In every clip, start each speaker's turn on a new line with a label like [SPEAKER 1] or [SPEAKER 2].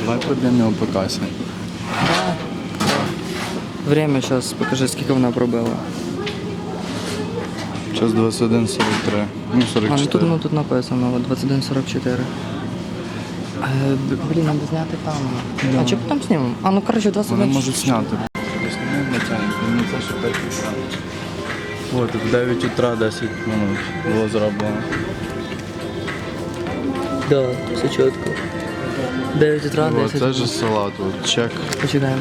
[SPEAKER 1] Давай проб'ємо його по касі.
[SPEAKER 2] Время зараз, покажи, скільки вона пробила.
[SPEAKER 1] Час 21:43. Ну,
[SPEAKER 2] А, ну
[SPEAKER 1] 44.
[SPEAKER 2] тут написано, от 21:44. Блін, треба зняти там. А чи потім знімемо? А, ну коротше,
[SPEAKER 1] Вони
[SPEAKER 2] 21.
[SPEAKER 1] можуть зняти. Десь не натягнуть, не це, що 5 утра. От, в 9 утра 10 минут було зроблено.
[SPEAKER 2] Да, все чітко. 9 утра,
[SPEAKER 1] О,
[SPEAKER 2] 10.
[SPEAKER 1] це ж салат, от, чек.
[SPEAKER 2] Почекаємо.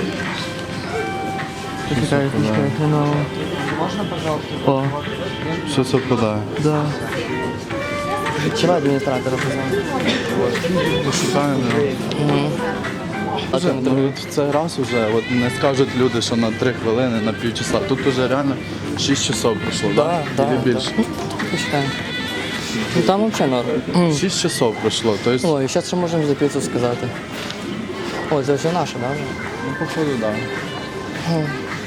[SPEAKER 2] Почекай, хреново. Можна, пожалуйста? О,
[SPEAKER 1] Все совпадає.
[SPEAKER 2] да. Чого адміністратора позвонити?
[SPEAKER 1] Пошукаємо його. Ну, в цей раз вже от не скажуть люди, що на 3 хвилини, на півчаса. Тут вже реально 6 часов пройшло,
[SPEAKER 2] Да,
[SPEAKER 1] да?
[SPEAKER 2] да.
[SPEAKER 1] Или більше?
[SPEAKER 2] Почекаємо. Ну там взагалі норм.
[SPEAKER 1] 6 часов пройшло, тобто,
[SPEAKER 2] Ой, зараз ще можемо за піцу сказати. О, це вже наша, да?
[SPEAKER 1] ну, походу, так. Да.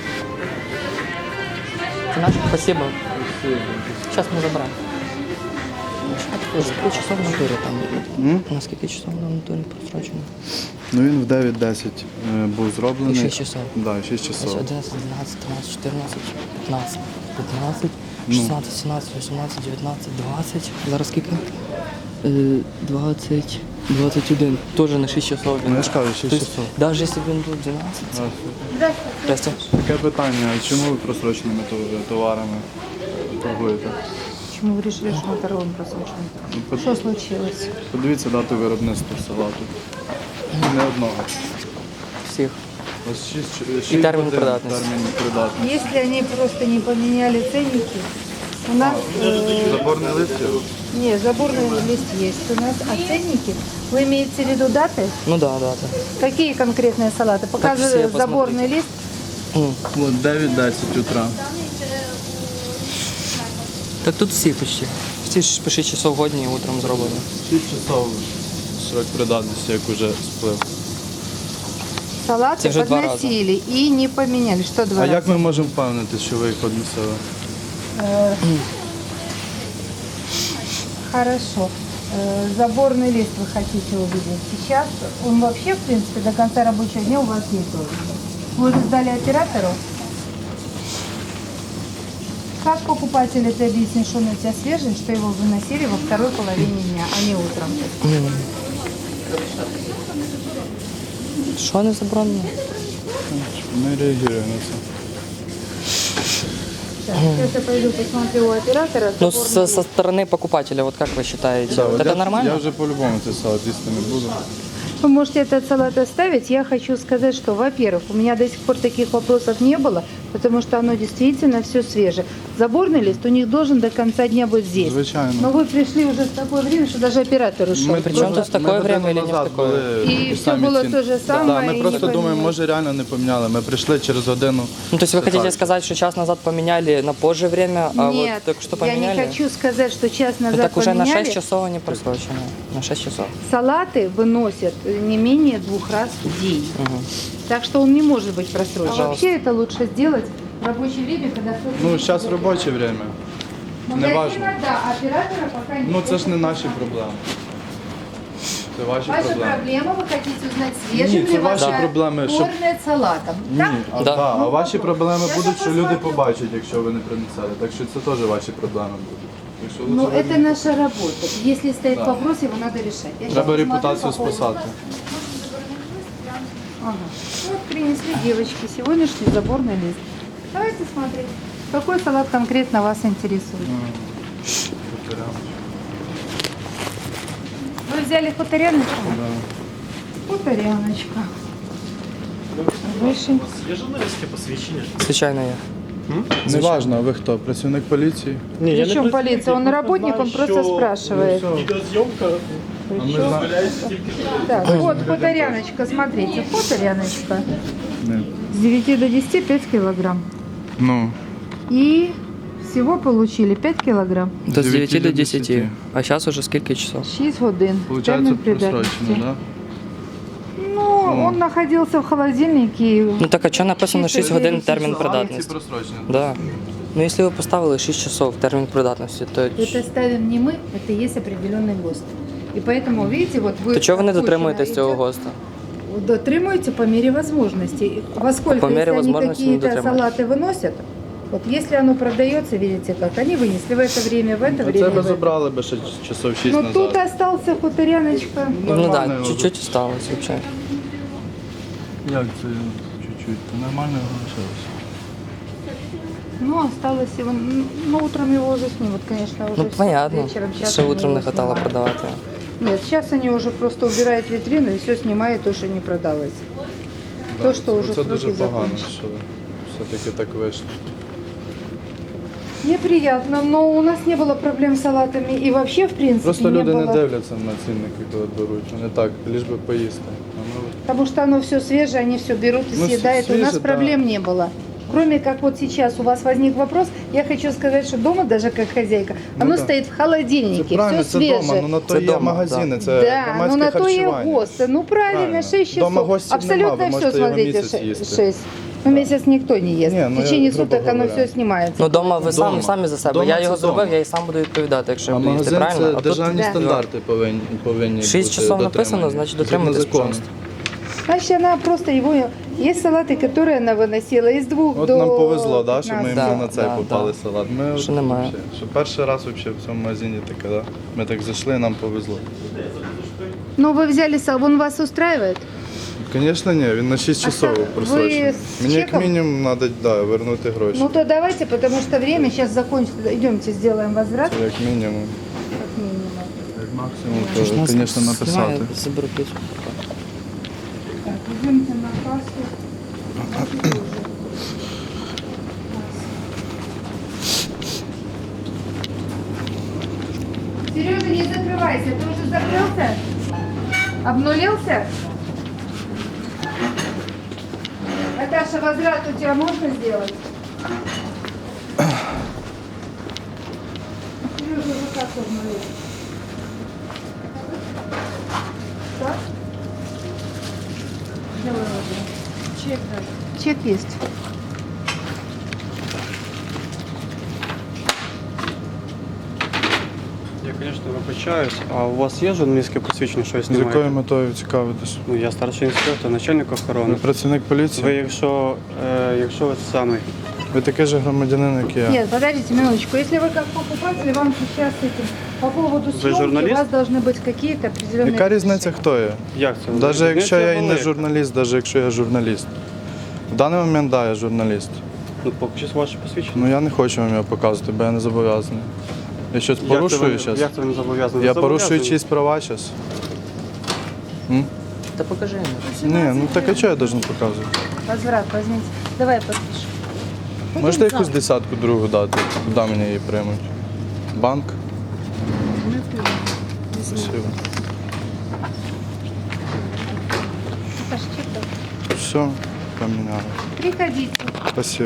[SPEAKER 2] Це наша? Спасибо. Зараз ми забираємо. Скільки часов на турі там? На скільки часов на турі просрочено?
[SPEAKER 1] Ну він в 9:10 був зроблений.
[SPEAKER 2] І 6 часов.
[SPEAKER 1] Да, 6
[SPEAKER 2] Ось
[SPEAKER 1] часов.
[SPEAKER 2] 11, 12, 13, 14, 15, 15, 16, 17, 18, 19, 20. Зараз скільки? 20, 21. Тоже на 6 часов.
[SPEAKER 1] Ну, я ж кажу, 6 часов.
[SPEAKER 2] Навіть якщо б він був 12. Здрасте.
[SPEAKER 1] Таке питання, а чому ви просроченими товарами торгуєте?
[SPEAKER 3] Почему вы решили, что мы торгуем просроченным?
[SPEAKER 1] Ну,
[SPEAKER 3] Что случилось?
[SPEAKER 1] Подивіться дату виробництва салату. Не одного.
[SPEAKER 2] Всіх.
[SPEAKER 1] Ось 6
[SPEAKER 2] І термін придатності.
[SPEAKER 1] Термін придатності.
[SPEAKER 3] Если они просто не поменяли ценники, у нас
[SPEAKER 1] Заборний лист є?
[SPEAKER 3] нет, заборный лист есть. У нас а ценники, вы имеете в виду даты?
[SPEAKER 2] Ну да, да, так.
[SPEAKER 3] Какие конкретные салаты?
[SPEAKER 2] все,
[SPEAKER 3] Показываю
[SPEAKER 2] посмотрите.
[SPEAKER 3] заборный лист.
[SPEAKER 1] От 9-10 утра.
[SPEAKER 2] Так тут всі почти. Всі ж по 6 часов годні утром зроблені.
[SPEAKER 1] 6 часов срок придатності, як уже сплив.
[SPEAKER 3] Салаты
[SPEAKER 2] Это уже два
[SPEAKER 3] подносили и не поменяли. Что два
[SPEAKER 1] А
[SPEAKER 3] раза?
[SPEAKER 1] як ми можемо впевнити, що ви їх односили?
[SPEAKER 3] Хорошо. Заборный лист вы хотите увидеть. Сейчас он вообще, в принципе, до конца рабочего дня у вас есть должен быть. Вы уже сдали оператору? Как покупатель это объяснит, что он у тебя свежий, что его выносили во второй половине дня, а не утром?
[SPEAKER 2] Що не заборонено?
[SPEAKER 1] Ми реагуємо на це.
[SPEAKER 3] Так, сейчас я пойду посмотрю у оператора.
[SPEAKER 2] Ну,
[SPEAKER 3] заборный
[SPEAKER 2] со стороны покупателя, вот как вы считаете?
[SPEAKER 1] Да, от
[SPEAKER 2] Это
[SPEAKER 1] я
[SPEAKER 2] нормально?
[SPEAKER 1] вже по-любому цей салат їсти не буду.
[SPEAKER 3] Вы можете этот салат оставить. Я хочу сказать, что, во-первых, у меня до сих пор таких вопросов не было, потому что оно действительно все свежее. Заборный лист у них должен до конца дня быть здесь.
[SPEAKER 1] Звичайно.
[SPEAKER 3] Но вы пришли уже в такое время, что даже оператор ушел.
[SPEAKER 2] Причем тут в такое время или не в такое?
[SPEAKER 3] И все было то же самое,
[SPEAKER 1] Да, ми
[SPEAKER 3] и
[SPEAKER 1] просто
[SPEAKER 3] не
[SPEAKER 1] думаємо,
[SPEAKER 3] поменяли.
[SPEAKER 1] може реально не поміняли. Ми прийшли через годину.
[SPEAKER 2] Ну, то есть вы хотите
[SPEAKER 1] Так.
[SPEAKER 2] сказать, что час назад поменяли на позже время, а
[SPEAKER 3] Нет,
[SPEAKER 2] вот только что
[SPEAKER 3] я
[SPEAKER 2] поменяли?
[SPEAKER 3] не хочу сказать, что час
[SPEAKER 2] Ну,
[SPEAKER 3] назад
[SPEAKER 2] так уже на
[SPEAKER 3] поменяли.
[SPEAKER 2] 6 часов они просрочены. На 6 часов.
[SPEAKER 3] Салаты выносят не менее 2 раз в день. Так что он не может быть просрочен.
[SPEAKER 2] Пожалуйста.
[SPEAKER 3] Вообще это лучше сделать в рабочее время, когда кто-то...
[SPEAKER 1] Ну, зараз робоче время. Не важно.
[SPEAKER 3] Магазина, да, оператора пока нет.
[SPEAKER 1] Ну це ж не наші проблеми. Це ваші
[SPEAKER 3] Ваша
[SPEAKER 1] проблеми.
[SPEAKER 3] проблема, вы хотите узнать, свежим
[SPEAKER 1] Ні, це
[SPEAKER 3] ли
[SPEAKER 1] ваші
[SPEAKER 3] ваш
[SPEAKER 1] проблеми, щоб-
[SPEAKER 3] кормят салатом.
[SPEAKER 1] Ні,
[SPEAKER 3] Так?
[SPEAKER 1] а,
[SPEAKER 2] Да.
[SPEAKER 1] а ваші проблеми
[SPEAKER 3] Я
[SPEAKER 1] будуть, що
[SPEAKER 3] зараз
[SPEAKER 1] люди
[SPEAKER 3] посмотрю.
[SPEAKER 1] побачать, якщо ви не принесете. Так що це теж ваші проблеми будуть. Якщо
[SPEAKER 3] Ну,
[SPEAKER 1] лучше
[SPEAKER 3] это
[SPEAKER 1] ви-
[SPEAKER 3] наша работа. Если стоит
[SPEAKER 1] Да.
[SPEAKER 3] вопрос, его надо решать. Я
[SPEAKER 1] Треба
[SPEAKER 3] щас
[SPEAKER 1] репутацію
[SPEAKER 3] посмотрю по поводу-
[SPEAKER 1] спасати.
[SPEAKER 3] Ага. Вот принесли девочки сегодняшний заборный лист. Давайте смотреть, какой салат конкретно вас интересует. Вы взяли хуторяночку? Хуторяночка. Выше.
[SPEAKER 4] Є журналістське посвідчення?
[SPEAKER 2] Случайно я.
[SPEAKER 1] Не важно, а ви хто? Працівник поліції?
[SPEAKER 4] Ні,
[SPEAKER 3] Причем полиция? Он работник, он просто спрашивает.
[SPEAKER 4] Відеозйомка
[SPEAKER 1] А ми знаємо.
[SPEAKER 4] дозволяється тільки
[SPEAKER 3] Так, вот хуторяночка, смотрите, хуторяночка.
[SPEAKER 1] Ні.
[SPEAKER 3] С 9 до 10 5 килограмм.
[SPEAKER 1] Ну,
[SPEAKER 3] И всего получили 5 килограмм.
[SPEAKER 2] До 9 до 10.
[SPEAKER 1] 10.
[SPEAKER 2] А сейчас уже сколько часов?
[SPEAKER 3] 6 годин.
[SPEAKER 1] виходить,
[SPEAKER 3] Термін
[SPEAKER 1] просрочено,
[SPEAKER 3] придатності.
[SPEAKER 1] так?
[SPEAKER 3] Ну, он находился в холодильнике.
[SPEAKER 2] Ну так а что написано 6
[SPEAKER 3] Чисто
[SPEAKER 2] годин
[SPEAKER 3] десять
[SPEAKER 2] термін
[SPEAKER 3] часов.
[SPEAKER 2] придатності?
[SPEAKER 1] просрочені.
[SPEAKER 2] Да. Ну если вы поставили 6 часов термін придатності, то
[SPEAKER 3] Это ставим не мы, это есть определенный ГОСТ. И поэтому, видите, вот вы...
[SPEAKER 2] То чого ви не
[SPEAKER 3] отпущено
[SPEAKER 2] дотримуєтесь цього
[SPEAKER 3] идет.
[SPEAKER 2] ГОСТу?
[SPEAKER 3] Дотримуете по мере возможностей. Во сколько,
[SPEAKER 2] По мере
[SPEAKER 3] если они
[SPEAKER 2] возможности не
[SPEAKER 3] какие-то
[SPEAKER 2] дотримуюсь.
[SPEAKER 3] салаты выносят, вот если оно продается, видите как, они вынесли в это время, в это
[SPEAKER 1] Це
[SPEAKER 3] время.
[SPEAKER 1] би
[SPEAKER 3] в это.
[SPEAKER 1] забрали би ще часов 6
[SPEAKER 3] Ну
[SPEAKER 1] назад.
[SPEAKER 3] тут остался хуторяночка.
[SPEAKER 2] Ну
[SPEAKER 1] Нормально
[SPEAKER 2] так,
[SPEAKER 1] його
[SPEAKER 2] чуть-чуть осталось взагалі.
[SPEAKER 1] Як це чуть-чуть? Це нормально залишилося.
[SPEAKER 3] Ну, осталось его, ну, утром его уже снимут, конечно, уже
[SPEAKER 2] Ну понятно,
[SPEAKER 3] вечером. Сейчас
[SPEAKER 2] ще
[SPEAKER 3] они
[SPEAKER 2] утром
[SPEAKER 3] его
[SPEAKER 2] не хватало
[SPEAKER 3] снимают.
[SPEAKER 2] продавати.
[SPEAKER 3] Нет, сейчас они уже просто убирают витрину и все снимают, то, что не продалось. То, что уже
[SPEAKER 1] Це дуже
[SPEAKER 3] сроки
[SPEAKER 1] погано,
[SPEAKER 3] закончились.
[SPEAKER 1] що все-таки так вийшло.
[SPEAKER 3] Неприятно, но у нас не было проблем с салатами и вообще, в принципе,
[SPEAKER 1] Просто
[SPEAKER 3] не
[SPEAKER 1] люди
[SPEAKER 3] было.
[SPEAKER 1] не дивляться на цінники, коли беруть. Вони так, ліж би поїсти. А ми
[SPEAKER 3] Потому что оно все свежее, они все берут и
[SPEAKER 1] Ну,
[SPEAKER 3] съедают. У нас
[SPEAKER 1] свежее,
[SPEAKER 3] проблем не было. Кроме как вот сейчас у вас возник вопрос, я хочу сказать, что дома даже как хозяйка,
[SPEAKER 1] Ну
[SPEAKER 3] оно
[SPEAKER 1] да.
[SPEAKER 3] стоит в
[SPEAKER 1] Це
[SPEAKER 3] холодильнике,
[SPEAKER 1] правильно,
[SPEAKER 3] все
[SPEAKER 1] це
[SPEAKER 3] свежее.
[SPEAKER 1] вдома, ну на то
[SPEAKER 2] Це
[SPEAKER 1] є
[SPEAKER 2] дома,
[SPEAKER 1] магазини,
[SPEAKER 2] да.
[SPEAKER 1] це
[SPEAKER 3] Да, ну
[SPEAKER 1] громадське
[SPEAKER 3] на то и
[SPEAKER 1] харчування.
[SPEAKER 3] ГОСТы. Ну правильно, 6 часов.
[SPEAKER 1] Дома гостів
[SPEAKER 3] Абсолютно
[SPEAKER 1] нема, ви
[SPEAKER 3] все,
[SPEAKER 1] можете його
[SPEAKER 3] смотрите,
[SPEAKER 1] місяць їсти.
[SPEAKER 3] 6. Ну месяц никто не ест.
[SPEAKER 1] Не, ну,
[SPEAKER 3] в
[SPEAKER 1] я
[SPEAKER 3] течение
[SPEAKER 1] грубо
[SPEAKER 3] суток оно
[SPEAKER 1] говоря.
[SPEAKER 3] все снимается.
[SPEAKER 2] Ну вдома ви
[SPEAKER 1] Дома.
[SPEAKER 2] самі за себе.
[SPEAKER 1] Дома
[SPEAKER 2] Я
[SPEAKER 1] це
[SPEAKER 2] його зробив,
[SPEAKER 1] дома.
[SPEAKER 2] я і сам буду відповідати, якщо
[SPEAKER 1] А
[SPEAKER 2] я буду їсти,
[SPEAKER 1] магазин
[SPEAKER 2] правильно?
[SPEAKER 1] це
[SPEAKER 2] А тут
[SPEAKER 1] державні
[SPEAKER 3] Да.
[SPEAKER 1] стандарти повинні
[SPEAKER 2] 6
[SPEAKER 1] бути
[SPEAKER 2] часов написано,
[SPEAKER 1] дотримані.
[SPEAKER 2] значить
[SPEAKER 1] Згідно
[SPEAKER 2] дотримуйтесь,
[SPEAKER 1] закону.
[SPEAKER 2] пожалуйста.
[SPEAKER 3] Значит, она просто его... Есть салаты, которые она выносила из 2
[SPEAKER 1] От
[SPEAKER 3] до
[SPEAKER 1] нам повезло, да, що ми
[SPEAKER 3] 15.
[SPEAKER 1] іменно на цей
[SPEAKER 2] Да,
[SPEAKER 1] попали
[SPEAKER 2] да.
[SPEAKER 1] салат. Ми
[SPEAKER 2] Що немає.
[SPEAKER 1] вообще, що перший раз вообще в цьому магазині таке, да? Ми так зайшли, нам повезло.
[SPEAKER 3] Ну вы взяли, он вас устраивает?
[SPEAKER 1] Звісно, ні, він на 6 часов
[SPEAKER 3] ви
[SPEAKER 1] просрочений.
[SPEAKER 3] з
[SPEAKER 1] Мені як
[SPEAKER 3] чеком?
[SPEAKER 1] мінімум треба вернути гроші.
[SPEAKER 3] Ну то давайте, потому что время сейчас закончится. Идемте, сделаем возврат.
[SPEAKER 1] Це як мінімум.
[SPEAKER 3] Как минимум.
[SPEAKER 1] Як максимум, то, звісно, написати.
[SPEAKER 2] Знаю, заберу пісню.
[SPEAKER 3] Так, идемте на кассу. Сережа, не закрывайся. Ты уже закрылся? Обнулился? Наташа, возврат у тебя можно сделать? Сережа уже как обнулился? Так? Давай, ладно. Чек, да. Чек есть.
[SPEAKER 4] Я, конечно, вибачаюсь, а у вас є журналістське посвідчення, що ви
[SPEAKER 1] З якою
[SPEAKER 4] знімаєте?
[SPEAKER 1] метою цікавитись?
[SPEAKER 4] Ну, я старший інспектор, начальник
[SPEAKER 1] Ви
[SPEAKER 4] охорони.
[SPEAKER 1] працівник поліції?
[SPEAKER 4] Ви, якщо ви самий,
[SPEAKER 1] Ви такий же громадянин, як і я.
[SPEAKER 3] Нет, подождите минуточку. Если вы как покупатель, вам сейчас этим по поводу съемки
[SPEAKER 4] журналист?
[SPEAKER 3] у вас должны быть какие-то определенные...
[SPEAKER 1] Яка різниця, хто я?
[SPEAKER 4] як це?
[SPEAKER 1] Навіть якщо я і не
[SPEAKER 4] Різниця
[SPEAKER 1] журналіст, навіть якщо я журналіст. В даний момент, так, я журналіст.
[SPEAKER 4] Ну, покажіть ваше посвідчення.
[SPEAKER 1] Ну я не хочу вам його показувати, бо я не зобов'язаний. Я щось
[SPEAKER 4] Як це
[SPEAKER 1] порушую
[SPEAKER 4] ви-
[SPEAKER 1] зараз?
[SPEAKER 4] Як це ви не зобов'язані?
[SPEAKER 1] Я
[SPEAKER 4] Ви
[SPEAKER 1] порушую
[SPEAKER 4] зобов'язані.
[SPEAKER 1] чиїсь права зараз?
[SPEAKER 2] Та покажи йому.
[SPEAKER 1] Ні, ну так а чого я должен показувати?
[SPEAKER 3] Возврат возьмите. Давай я подпишу.
[SPEAKER 1] Можете якусь десятку другу дати, куди мені її приймуть? Банк? Спасибо.
[SPEAKER 3] Наташа, чек давай.
[SPEAKER 1] Все, поміняли.
[SPEAKER 3] Приходите.
[SPEAKER 1] Спасибо.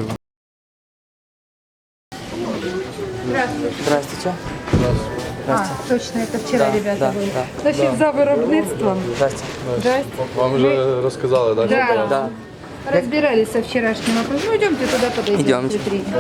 [SPEAKER 3] Здравствуйте.
[SPEAKER 2] Здравствуйте.
[SPEAKER 3] А, точно, это вчера
[SPEAKER 2] Да,
[SPEAKER 3] ребята
[SPEAKER 2] да,
[SPEAKER 3] были.
[SPEAKER 2] да.
[SPEAKER 3] Значит, за виробництвом.
[SPEAKER 2] Здрасте.
[SPEAKER 3] Здрасте.
[SPEAKER 1] Вам вже розказали, так?
[SPEAKER 3] Да.
[SPEAKER 2] Да.
[SPEAKER 3] Разбирались со вчерашним вопросом. Ну, идемте туда подойдем.
[SPEAKER 2] Идемте.
[SPEAKER 3] Смотрите.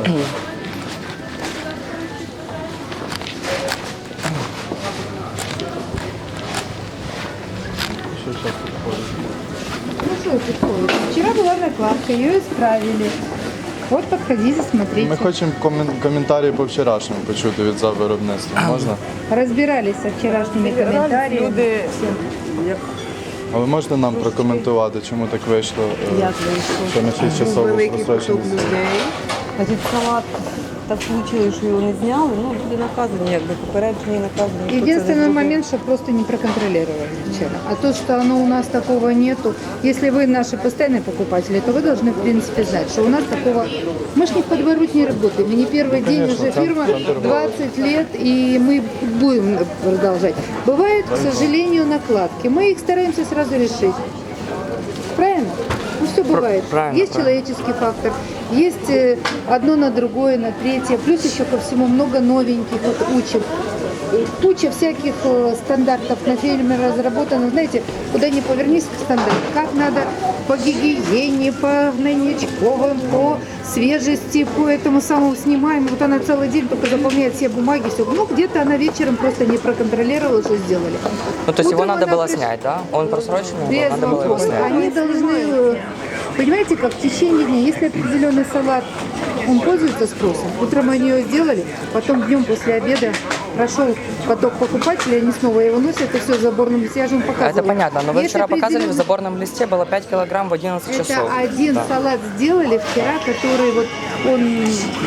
[SPEAKER 3] Ну что подходит? Вчера была накладка, ее исправили. Вот подходите, смотрите.
[SPEAKER 1] Ми хочемо коментарі по вчорашньому почути від за виробництва. Можна?
[SPEAKER 3] Разбирались со вчерашними комментариями.
[SPEAKER 1] А ви можете нам прокоментувати, чому так вийшло, що на 6 часов
[SPEAKER 5] Великий поток
[SPEAKER 1] розстроченість?
[SPEAKER 5] людей. Значить, салат так вийшло, що його не зняли. Ну, люди наказані, якби попереджені, наказані. Хто це
[SPEAKER 3] Единственный
[SPEAKER 5] зробив?
[SPEAKER 3] момент, что просто не проконтролировали вчера. А то, что оно у нас такого нету, если вы наши постоянные покупатели, то вы должны, в принципе, знать, что у нас такого... Мы ж не в подворот не работаем. Мы не первый день, уже фирма 20 лет, и мы будем продолжать. Бывают, к сожалению, накладки. Мы их стараемся сразу решить. Правильно? Ну, все бывает.
[SPEAKER 2] правильно,
[SPEAKER 3] Есть человеческий фактор, есть одно на другое, на третье. Плюс еще ко всему много новеньких, вот учим. куча всяких стандартов на фильме разработано. Знаете, куда ни повернись, стандарт. Как надо по гигиене, по гнойничковым, по свежести, по этому самому снимаем. Вот она целый день только заполняет все бумаги, все. Ну, где-то она вечером просто не проконтролировала, что сделали.
[SPEAKER 2] Ну, то есть его
[SPEAKER 3] Утром
[SPEAKER 2] надо
[SPEAKER 3] она
[SPEAKER 2] было
[SPEAKER 3] пришла.
[SPEAKER 2] снять, да? Он просроченный,
[SPEAKER 3] Без
[SPEAKER 2] надо было его
[SPEAKER 3] вопросов.
[SPEAKER 2] снять.
[SPEAKER 3] Они должны, понимаете, как в течение дня, если определенный салат, он пользуется спросом, утром они его сделали, потом днем после обеда прошел поток покупателей, они снова его носят, и все в заборном листе, я же вам показывала.
[SPEAKER 2] Это понятно, но вы
[SPEAKER 3] Есть
[SPEAKER 2] вчера показывали, в
[SPEAKER 3] определенный-
[SPEAKER 2] заборном листе было 5 килограмм в 11 часов.
[SPEAKER 3] Это один
[SPEAKER 2] Да.
[SPEAKER 3] салат сделали вчера, который вот он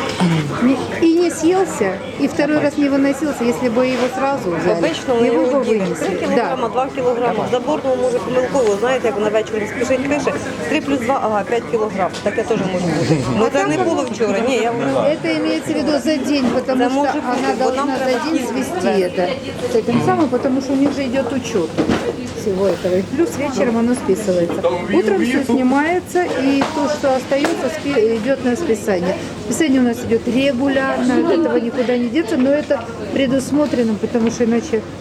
[SPEAKER 3] и не съелся, и второй раз не выносился, если бы его сразу взяли,
[SPEAKER 5] Обично ми
[SPEAKER 3] его
[SPEAKER 5] його
[SPEAKER 3] бы
[SPEAKER 5] ділимо. 3
[SPEAKER 3] вынесли.
[SPEAKER 5] кілограма, 2 кілограми. В заборному може помилково, знаєте, як вона вечором спішить пише, 3 плюс 2, ага, 5 кілограм. Таке теж може бути. Ну це не було вчора, ні, я говорю.
[SPEAKER 3] Это имеется в виду за день, потому
[SPEAKER 5] Да,
[SPEAKER 3] что
[SPEAKER 5] может быть,
[SPEAKER 3] она
[SPEAKER 5] вот нам
[SPEAKER 3] должна за
[SPEAKER 5] треба
[SPEAKER 3] день свести это с этим самым, потому что у них же идет учет всего этого. И плюс вечером оно списывается. Утром все снимается, и то, что остается, идет на списание. Списание у нас идет регулярно, от этого никуда не деться, но это предусмотрено, потому что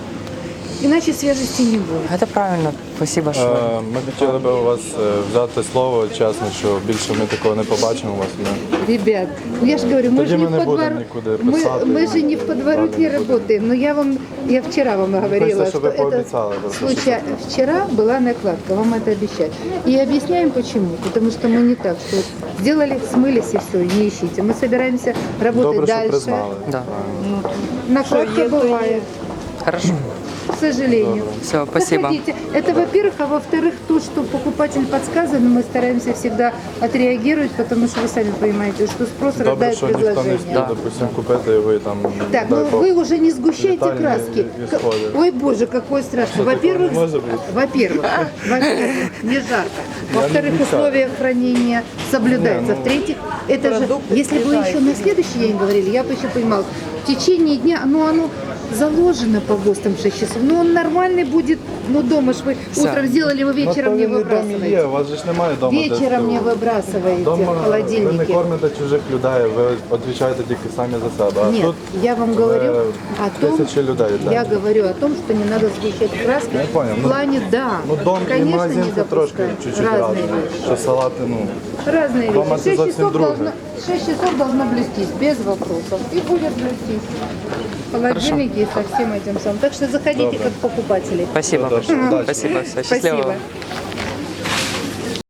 [SPEAKER 3] иначе свежести не будет.
[SPEAKER 2] Это правильно, спасибо, що...
[SPEAKER 1] Ми хотіли би у вас взяти слово, чесно, що більше ми такого не побачимо у вас.
[SPEAKER 3] Ребят, ну я же говорю, мы
[SPEAKER 1] Тоді
[SPEAKER 3] же не
[SPEAKER 1] ми не
[SPEAKER 3] в
[SPEAKER 1] будемо
[SPEAKER 3] подворот,
[SPEAKER 1] нікуди писати.
[SPEAKER 3] мы же не в подворотне
[SPEAKER 1] Далі не будемо.
[SPEAKER 3] работаем. Но я вчера вам говорила,
[SPEAKER 1] Хочется,
[SPEAKER 3] что
[SPEAKER 1] чтобы вы
[SPEAKER 3] это
[SPEAKER 1] пообещали, просто,
[SPEAKER 3] случай. Вчера была накладка, вам это обещать. И объясняем почему. Потому что мы не так, что вот сделали, смылись и все, не ищите. Мы собираемся работать
[SPEAKER 1] Добре, що
[SPEAKER 3] дальше.
[SPEAKER 1] признали.
[SPEAKER 2] Да.
[SPEAKER 3] Накладка
[SPEAKER 5] Что, то
[SPEAKER 3] бывает,
[SPEAKER 2] Хорошо.
[SPEAKER 3] к сожалению.
[SPEAKER 2] Все, спасибо.
[SPEAKER 3] Заходите. Это во-первых, а во-вторых, то, что покупатель подсказан, мы стараемся всегда отреагировать, потому что вы сами понимаете, что спрос
[SPEAKER 1] Добре,
[SPEAKER 3] рождает
[SPEAKER 1] що ніхто не
[SPEAKER 3] предложение.
[SPEAKER 1] спів, допустим, купити, і ви там...
[SPEAKER 3] Так,
[SPEAKER 1] дай
[SPEAKER 3] ну
[SPEAKER 1] Бог,
[SPEAKER 3] вы уже не сгущайте
[SPEAKER 1] детали
[SPEAKER 3] краски.
[SPEAKER 1] не исходят.
[SPEAKER 3] Ой, боже, какой страшный.
[SPEAKER 1] Что, такого
[SPEAKER 3] Во-первых,
[SPEAKER 1] не может быть?
[SPEAKER 3] во-первых, не жарко. Во-вторых,
[SPEAKER 1] не
[SPEAKER 3] условия хранения соблюдаются. В-третьих, это же,
[SPEAKER 5] Продукты
[SPEAKER 3] если вы
[SPEAKER 5] съедаются.
[SPEAKER 3] еще на следующий день говорили, я бы еще понимала, в течение дня, ну оно заложено по ГОСТам 6 часов, ну он нормальный будет, ну дома ж вы утром сделали, вы вечером не
[SPEAKER 1] Ну, то він і домі є,
[SPEAKER 3] выбрасываете.
[SPEAKER 1] у вас же ж немає дома. де
[SPEAKER 3] Вечером не
[SPEAKER 1] столу.
[SPEAKER 3] выбрасываете
[SPEAKER 1] Дома
[SPEAKER 3] в
[SPEAKER 1] ви не
[SPEAKER 3] холодильнике.
[SPEAKER 1] кормите чужих людей, ви відповідаєте тільки самі за себе. А
[SPEAKER 3] Нет,
[SPEAKER 1] тут
[SPEAKER 3] я вам говорю о том,
[SPEAKER 1] тисячі людей. так.
[SPEAKER 3] я говорю о том, что не надо сгущать краски.
[SPEAKER 1] Я понял.
[SPEAKER 3] В плане, да,
[SPEAKER 1] Ну, дом і
[SPEAKER 3] конечно,
[SPEAKER 1] магазин
[SPEAKER 3] не
[SPEAKER 1] це трошки
[SPEAKER 3] допускать.
[SPEAKER 1] чуть-чуть
[SPEAKER 3] Разные
[SPEAKER 1] разне.
[SPEAKER 3] вещи.
[SPEAKER 1] Що салати, ну,
[SPEAKER 3] Разные
[SPEAKER 1] Дома
[SPEAKER 3] вещи.
[SPEAKER 1] это совсем друге.
[SPEAKER 3] 6 часов должно блестись, без вопросов. И будет блестись. Холодильники со всем этим самым. Так что заходите как покупатели.
[SPEAKER 2] Спасибо
[SPEAKER 1] Удачи.
[SPEAKER 2] большое. Спасибо, все, счастливо.
[SPEAKER 3] Спасибо.